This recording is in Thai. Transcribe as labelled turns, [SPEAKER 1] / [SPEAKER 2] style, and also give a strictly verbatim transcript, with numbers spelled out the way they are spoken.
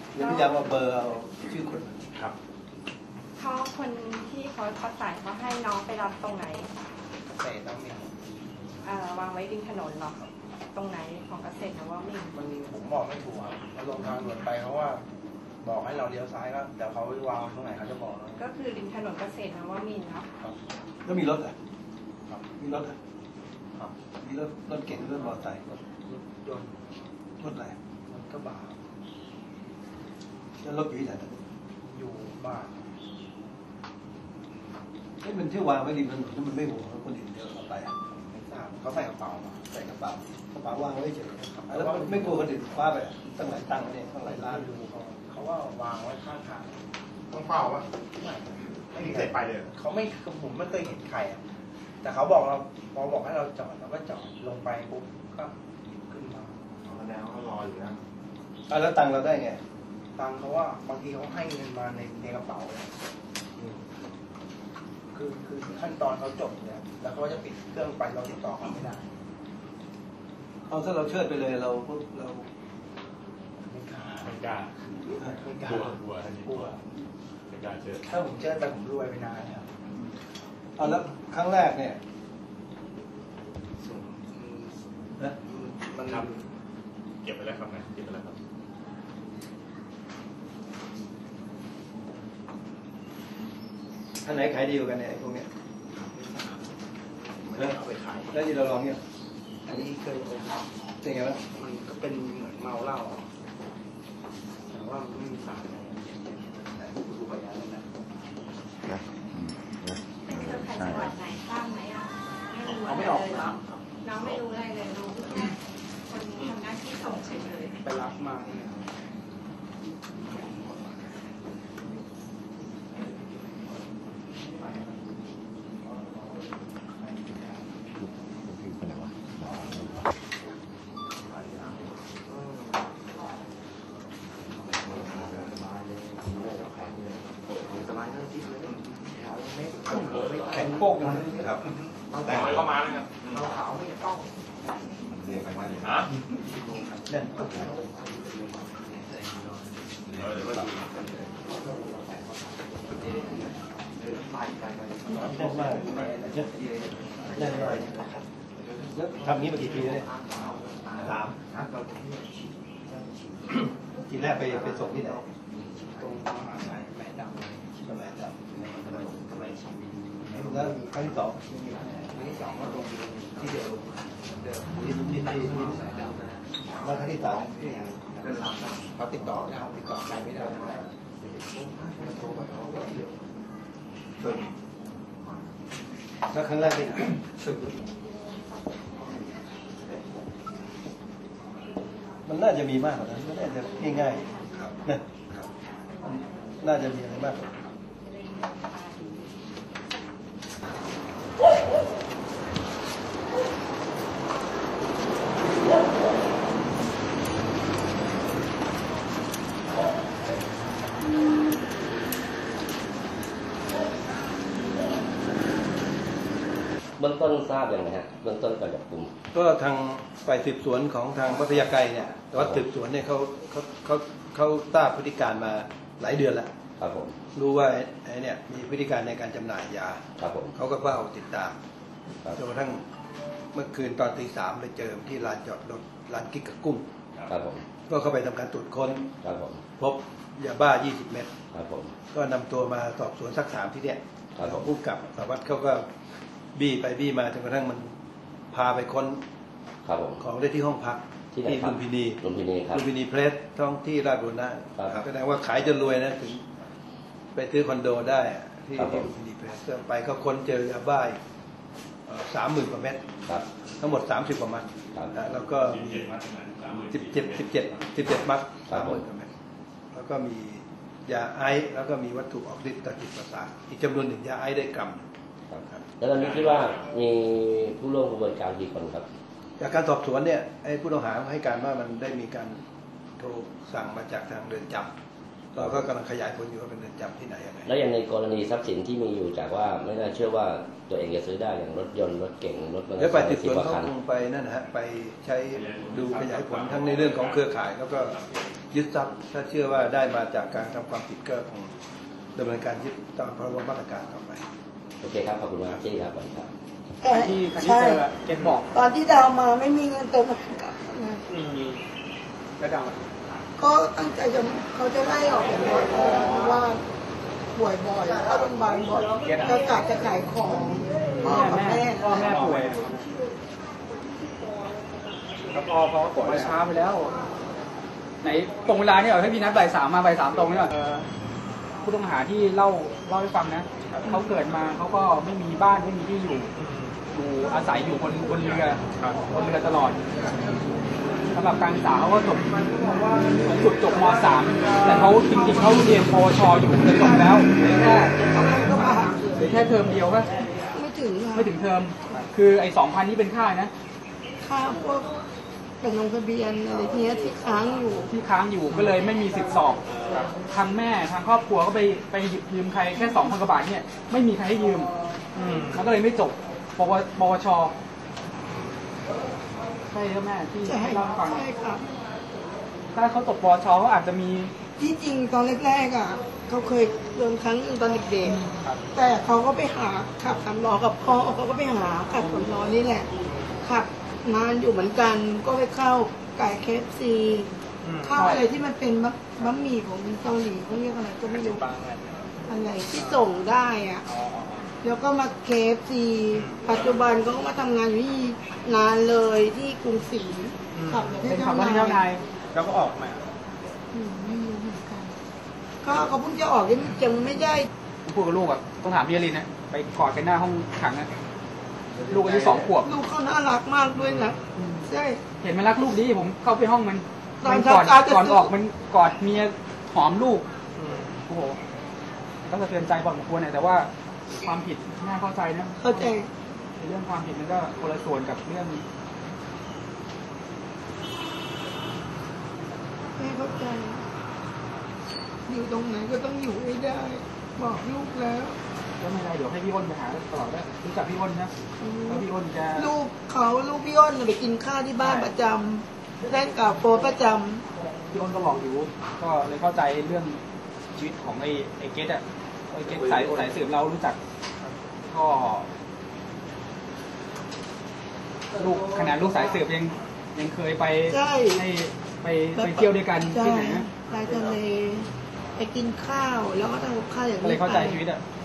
[SPEAKER 1] เดี๋ยวพยายามเอาเบอร์เอาชื่อคน
[SPEAKER 2] ครับ
[SPEAKER 3] เขาคนที่เขาประสานเขาให้น้องไปรับตรงไหน
[SPEAKER 4] เกษตรต้องมี
[SPEAKER 3] เอ่อวางไว้ริมถนนหรอตรงไหนของเกษตรนะว่ามี
[SPEAKER 4] มันผมบอกไม่ถูกครับเราลงทางด่วนไปเขาว่าบอกให้เราเลี้ยวซ้ายก็เดี๋ยวเขาวางตรงไหนเขาจะบอกเรา
[SPEAKER 3] ก็คือริมถนนเกษตรนะว่ามีเนาะ
[SPEAKER 1] แล้วมีรถอ่ะมีรถอ่ะมีรถรถเก่งรถมอเตอร์ไซค์รถ
[SPEAKER 4] ยนต์
[SPEAKER 1] รถอะไร
[SPEAKER 4] รถกระบะ
[SPEAKER 1] แล้วรถอยู่ที่ไหน
[SPEAKER 4] อยู่บ้าน
[SPEAKER 1] ไอ้มันที่วางไว้ริมถนนมันไม่ห่วงคนอื่นเดินเข้าไปอ่ะ
[SPEAKER 4] ไม่ทราบเขาใส่กระเป๋ามา
[SPEAKER 1] ใส่กระเป๋ากระเป๋าวางไว้เฉยแล้วมันไม่กลัวคนอื่นคว้าไปตั้งหลายตังค์เนี่ยตั้งหลายล้าน
[SPEAKER 4] ดูเขาเขาว่าวางไว้ข้างทาง
[SPEAKER 2] ต้องเฝ้าปะ
[SPEAKER 4] ไม่
[SPEAKER 2] ไม่มีใครไปเลย
[SPEAKER 4] เขาไม่ผมไม่เคยเห็นใครอ่ะแต่เขาบอกเราพอบอกให้เราจอดเราก็จอดลงไปปุ๊บก็ขึ้นมา
[SPEAKER 2] แสดงว่าเขารออยู่นะ
[SPEAKER 1] อ่ะแล้วตังค์เราได้ไง
[SPEAKER 4] ตังค์เขาว่าบางทีเขาให้เงินมาในในกระเป๋าเลยคือคือขั้นตอนเขาจบเนี่ยแล้วเขาจะปิดเครื่องไปเราติดต่อเขาไม่ได้
[SPEAKER 1] เอาถ้าเราเชิดไปเลยเราเรา
[SPEAKER 4] ไม่กล้า
[SPEAKER 2] ไม่กล้า
[SPEAKER 4] ไม่กล้าก
[SPEAKER 2] ลัวกลัวท่านนี้กลัวไม่กล้าเชิด
[SPEAKER 4] ถ้าผมเชิดไปผมรวยไปนานแล้ว
[SPEAKER 1] เอาแล้วครั้งแรกเนี่ย
[SPEAKER 4] นะมัน
[SPEAKER 2] ทำเก็บไปแล้วครับนะเก็บไปแล้วครับ
[SPEAKER 1] อันไหนขายดีกว่ากันเนี่ยพวกเนี้ย
[SPEAKER 4] ไม่ได้เอาไปขาย
[SPEAKER 1] แล้วที่เราลองเนี่ย
[SPEAKER 4] อันนี้เคยไป
[SPEAKER 1] เป็นไงบ้าง
[SPEAKER 4] มันก็เป็นเหมือนเมาเหล้าแต่ว่ามันไม่มีสารอะไรดูไปแล้วนะ
[SPEAKER 3] เป็นเครือข่ายจังหวัดไหนทราบไหมอ่ะไม่รู้อะไรเลยน้องไม่รู้อะไรเลยรู้แค่คนทำหน้าที่ส่งเฉยๆ
[SPEAKER 4] ไปรับมาเนี่ย
[SPEAKER 1] แข็งโป๊กนะครับ
[SPEAKER 2] แต่งเข้ามาเลยครับ
[SPEAKER 4] เราขาวไม่ต้อง
[SPEAKER 2] เรียกไปมาเลยฮะ
[SPEAKER 1] เล่น
[SPEAKER 2] เออเดี๋ยวก็ดู
[SPEAKER 1] เล่นมากเล่นเลยแล้วทำนี้มากี่ปีแล้วเนี่ยสามทีแรกไปไปส่งที่ไหน
[SPEAKER 4] ตรงมหาชัยแม่ดำ
[SPEAKER 1] แม่ดำแล้วครั้งที่สอง
[SPEAKER 4] ครั้งที่สองก็ตรงที่เดียวเดิม
[SPEAKER 1] ที่ที่ที่ที่สายดำแล้วครั้งที่สาม
[SPEAKER 4] เขาติดต่อเขาติดต่อใครไม่ได้
[SPEAKER 1] แล้วครั้งแรกที่ไหนมันน่าจะมีมากกว่านั้นไม่น่าจะง่ายๆนะน่าจะมีอะไรมากกว่า
[SPEAKER 5] เบื้องต้นทราบอย่างไรฮะเบื้องต้นการจับกุม
[SPEAKER 1] ก็ทางฝ่ายสืบสวนของทางวัดพญาไกรเนี่ยแต่ว่าสืบสวนเนี่ยเขาเขาเขาเขาทราบพฤติการมาหลายเดือนแล้ว
[SPEAKER 5] ครับผม
[SPEAKER 1] รู้ว่าไอ้เนี่ยมีพฤติการในการจำหน่ายยา
[SPEAKER 5] ครับผม
[SPEAKER 1] เขาก็เฝ้าติดตามจนกระทั่งเมื่อคืนตอนตีสามไปเจอที่ลานจอดรถร้านกิ๊กกับกุ้ง
[SPEAKER 5] ครับผม
[SPEAKER 1] ก็เข้าไปทำการตรวจค้น
[SPEAKER 5] ครับผม
[SPEAKER 1] พบยาบ้ายี่สิบเม็ด
[SPEAKER 5] ครับผม
[SPEAKER 1] ก็นำตัวมาสอบสวนสักถามที่เนี่ย
[SPEAKER 5] ครับผม
[SPEAKER 1] ผู้กับสารวัตรเขาก็บี้ไปบี้มาจนกระทั่งมันพาไปค้นของได้ที่ห้องพักที่ลุมพินี
[SPEAKER 5] ลุมพินีครับ
[SPEAKER 1] ลุมพินีเพลสท้องที่ราชบุรณะแสดงว่าขายจนรวยนะถึงไปซื้อคอนโดได้ที่ลุมพินีเพลสไปเขาค้นเจอยาบ้าสามหมื่นกว่าเม็ดทั้งหมดสามสิบกว่ามัดแล้วก็สิบเจ็ดสิบเจ็ดสิบเจ็ดมัดสามหมื่นกว่าเม็ดแล้วก็มียาไอซ์แล้วก็มีวัตถุออกฤทธิ์ต่อจิตประสาทอีกจำนวนหนึ่งยาไอซ์ได้กรัม
[SPEAKER 5] แล้วตอนนี้คิดว่ามีผู้ร่วมกระบวนการกี่คนครับ
[SPEAKER 1] จากการสอบสวนเนี่ยไอ้ผู้ต้องหาให้การว่ามันได้มีการโทรสั่งมาจากทางเรือนจำเราก็กำลังขยายผลอยู่ว่าเป็นเรือนจำที่ไหนยังไง
[SPEAKER 5] แล้วอย่างในกรณีทรัพย์สินที่มีอยู่จากว่าไม่น่าเชื่อว่าตัวเองจะซื้อได้อย่างรถยนต์รถเก๋งรถมอเตอร์ไซค์
[SPEAKER 1] แล้วไปติดสวนเขาคงไปนั่นนะฮะไปใช้ดูขยายผลทั้งในเรื่องของเครือข่ายแล้วก็ยึดทรัพย์ถ้าเชื่อว่าได้มาจากการทำความผิดก็คงดำเนินการยึดตามพรบมาตรการต่อไป
[SPEAKER 5] โอเคครับขอบคุณมากที่ครับครับ
[SPEAKER 6] แต่ใช่ตอนที่ดาวมาไม่มีเงินเติมกลับนะ
[SPEAKER 4] แล้วดาว
[SPEAKER 6] ก็ตั้งใจจะเขาจะไล่ออกจากรถเพราะว่าป่วยบ่อยเข้าโรงพยาบาลบ่อยก็กะจะขายของพ่อกับแม่
[SPEAKER 7] พ่อแม่ป่วยแล้วพอพอป่วยมาช้าไปแล้ว ไหนตรงเวลาเนี่ยให้พี่นัดบ่ายสามมาบ่ายสามตรงเนี่ยผู้ต้องหาที่เล่าเล่าให้ฟังนะเขาเกิดมาเขาก็ไม่มีบ้านไม่มีที่อยู่อยู่อาศัยอยู่บนบนเรือบนเรือตลอดสำหรับการศึกษาเขาก็จบสูงสุดจบม .สาม แต่เขาจริงๆเขาเรียนปวชอยู่จะจบแล้วแค่หรือแค่เทอมเดียวก็
[SPEAKER 6] ไม่ถึงค่ะ
[SPEAKER 7] ไม่ถึงเทอมคือไอ้สองพันนี่เป็นค่านะ
[SPEAKER 6] ค่าพวกเป็นลงทะเบียนอะไรเงี้ยที่ค้างอยู่
[SPEAKER 7] ที่ค้างอยู่ก็เลยไม่มีสิทธิ์สอบทางแม่ทางครอบครัวก็ไปไปหยิบยืมใครแค่สองพันกว่าบาทเนี่ยไม่มีใครให้ยืมมันก็เลยไม่จบปวปวชใช่ครับแม่ที่
[SPEAKER 6] ใช่
[SPEAKER 7] เล่าให้ฟัง
[SPEAKER 6] ใช่ค่ะ
[SPEAKER 7] ถ้าเขาจบปวชเขาอาจจะมี
[SPEAKER 6] ที่จริงตอนแรกๆอ่ะเขาเคยโดนครั้งหนึงตอนเด็กๆแต่เขาก็ไปหาขับสามล้อกับพ่อเขาก็ไปหาขับสามล้อนี่แหละขับนานอยู่เหมือนกันก็ไปเข้าไก่เคฟซีข้าวอะไรที่มันเป็นบะบะหมี่ของเกาหลีเขาเรียกอะไรก็ไม่รู้อะไรที่ส่งได้อ่ะแล้วก็มาเคฟซีปัจจุบันก็มาทำงานอยู่ที่นานเลยที่กรุงศรีขับรถให้
[SPEAKER 7] เป็น
[SPEAKER 6] เจ้า
[SPEAKER 7] คำว่าที่เจ้านาย
[SPEAKER 4] แล้วก็ออกมา
[SPEAKER 6] อืมไม่รู้เหมือนกันก็เขาเพิ่งจะออกยังยังไม่ได้
[SPEAKER 7] พูดกับลูกอ่ะต้องถามพี่อลินนะไปกอดกันหน้าห้องขังอ่ะลูกอายุสองขวบ
[SPEAKER 6] ลูกเขาน่ารักมากด้วยนะใช่
[SPEAKER 7] เห็นมันรักลูกดีผมเข้าไปห้องมัน
[SPEAKER 6] ตอน
[SPEAKER 7] มันก่อน
[SPEAKER 6] เช้าๆ
[SPEAKER 7] ก่อน
[SPEAKER 6] จะ
[SPEAKER 7] ออกมันกอดเมียหอมลูกโอ้โหก็สะเทือนใจพอสมควรเนี่ยแต่ว่าความผิดน่าเข้าใจนะ
[SPEAKER 6] เข้าใจ
[SPEAKER 7] ในเรื่องความผิดมันก็คนละส่วนกับเรื่อง
[SPEAKER 6] ไม่เข้าใจ อยู่ตรงไหนก็ต้องอยู่ให้ได้ บอกลูกแล้ว
[SPEAKER 7] ก็ไม่เป็นไรเดี๋ยวให้พี่อ้นไปหาตลอดได้รู้จักพี่อ้นนะแล้วพี่อ้นจะ
[SPEAKER 6] ลูกเขาลูกพี่อ้นน่ะไปกินข้าวที่บ้านประจำเล่นกับโฟประจ
[SPEAKER 7] พี่อ้นก็บอกอยู่ก็เลยเข้าใจเรื่องชีวิตของไอ้ไอ้เกตอะไอ้เกตสายสายสืบเรารู้จักก็ลูกขนาดลูกสายสืบยังยังเคยไป
[SPEAKER 6] ำใช่
[SPEAKER 7] ให้ไปไปเที่ยวด้วยกัน
[SPEAKER 6] ใช่
[SPEAKER 7] ที่ไหนนะ
[SPEAKER 6] ไปทะเลไปกินข้าวแล้วก็ทำกับข้าวอย่าง
[SPEAKER 7] ก็
[SPEAKER 6] นี้
[SPEAKER 7] เลยเข้าใจ
[SPEAKER 6] ไป
[SPEAKER 7] ชีวิตอะ
[SPEAKER 6] ใ